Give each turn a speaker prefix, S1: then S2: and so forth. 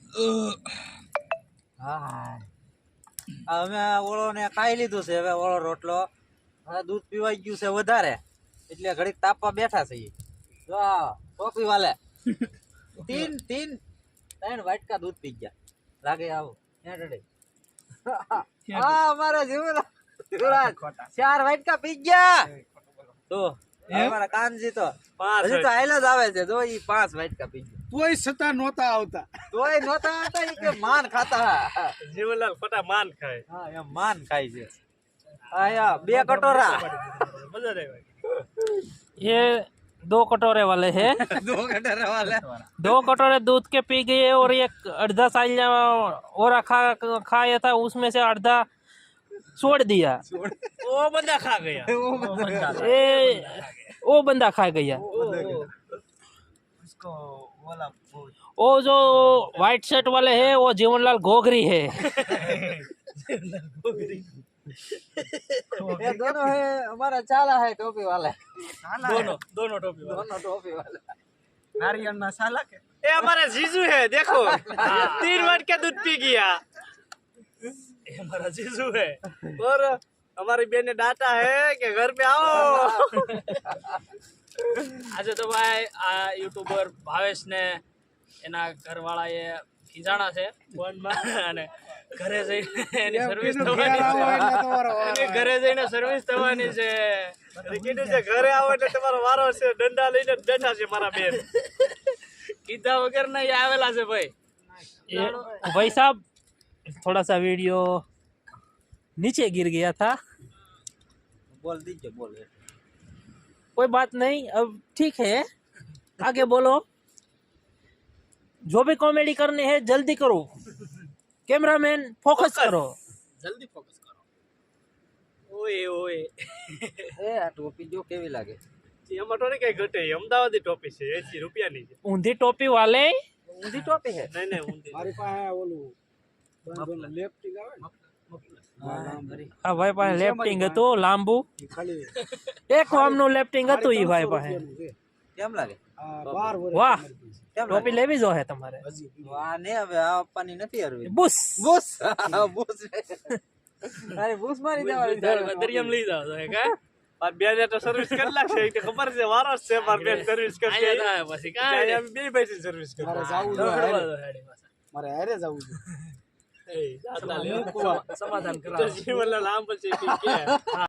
S1: હા અમે ઓળો ને ખાઈ લીધું છે, હવે ઓળો રોટલો હવે દૂધ પીવાઈ ગયું છે વધારે એટલે ઘડીક તાપવા બેઠા છે. જો ટોપી વાલે ત્રણ વાટકા દૂધ પી ગયા લાગે. આવો હા અમારા જીવરાજ 4 વાટકા પી ગયા. તો અમારા કાનજી તો હજી તો હાઈલા જ આવે છે. જો ઈ 5 વાટકા પી ગયા
S2: તોય છતાં નહોતા આવતા.
S1: ઈ કે માન ખાતા.
S3: જીવનલાલ ખોટા માન ખાય.
S1: હા એમ માન ખાય છે. આયા 2 કટોરા.
S3: મજા આવે.
S4: ये 2 कटोरे वाले हैं
S1: 2 कटोरे वाले
S4: 2 कटोरे दूध के पी गए और ये आधा साइल और खाया था, उसमें से आधा छोड़ दिया।
S3: वो बंदा खा गया।
S4: वो बंदा खा गया।
S1: उसको बोला
S4: वो जो व्हाइट शर्ट वाले है वो जीवनलाल घोघरी है।
S1: ये दोनों है हमारा चाला है टोपी वाले.
S3: दोनों टोपी वाले।
S1: दोनों टोपी वाले
S2: नारियल ना साला के
S3: ये हमारा जीजू है, देखो 3 वाटका दूध पी गया। ये हमारा जीजू है और हमारी बहन ने डांटा है कि घर पे आओ। આજે તો ભાઈ આ યુટ્યુબર ભાવેશ ને એના ઘરવાળાએ ખીજાણા છે ફોનમાં અને ઘરે જઈને એની સર્વિસ થવાની છે. ઘરે જઈને સર્વિસ થવાની છે. કીધું છે ઘરે આવો એટલે તમારો વારો છે, દંડા લઈને બેઠા છે મારા બેન. કીધા વગર ના એ આવેલા છે ભાઈ.
S4: भाई साहब थोड़ा सा वीडियो नीचे गिर गया था,
S1: बोल दीजिए बोल.
S4: कोई बात नहीं, अब ठीक है, आगे बोलो. जो भी कॉमेडी करनी है जल्दी करो, कैमरामैन फोकस करो.
S3: જલ્દી ફોકસ કરો. ઓય ઓય
S1: એ આ ટોપી જો કેવી લાગે.
S3: એમાં તો કઈ ઘટે. અમદાવાદી ટોપી છે, 80 રૂપિયાની છે.
S4: ऊंधी टोपी वाले
S1: ઊંધી ટોપી છે.
S3: નહીં નહીં ઊંધી.
S2: મારી પાસે ઓલું લેફ્ટિંગ આવે ને
S4: આ ભાઈ પાસે લેફ્ટિંગ હતું લાંબુ,
S2: ઈ ખાલી
S4: એક વામનું લેફ્ટિંગ હતું ઈ ભાઈ પાસે.
S1: કેમ લાગે.
S2: આ 12 વર્ષ
S4: વાહ,
S1: કેમ
S4: ટોપી લેવી જો હે તમારે.
S1: આ ને હવે આ આપવાની નથી હરવી.
S4: બુસ
S1: બુસ બુસ અરે બુસ મારી દેવાની.
S3: દરિયામાં લઈ જાવ તો કા આ બે ને તો સર્વિસ કરી લાગશે. એ તો ખબર છે વારો જ છે માર બેન સર્વિસ કરશે. પછી કાંઈ અમે બે પૈસા સર્વિસ કરી.
S2: મારે જાવું છે, મારે હારે જાવું છે.
S3: સમાધાન કરાવો. જીવનલાલ આમ પછી કે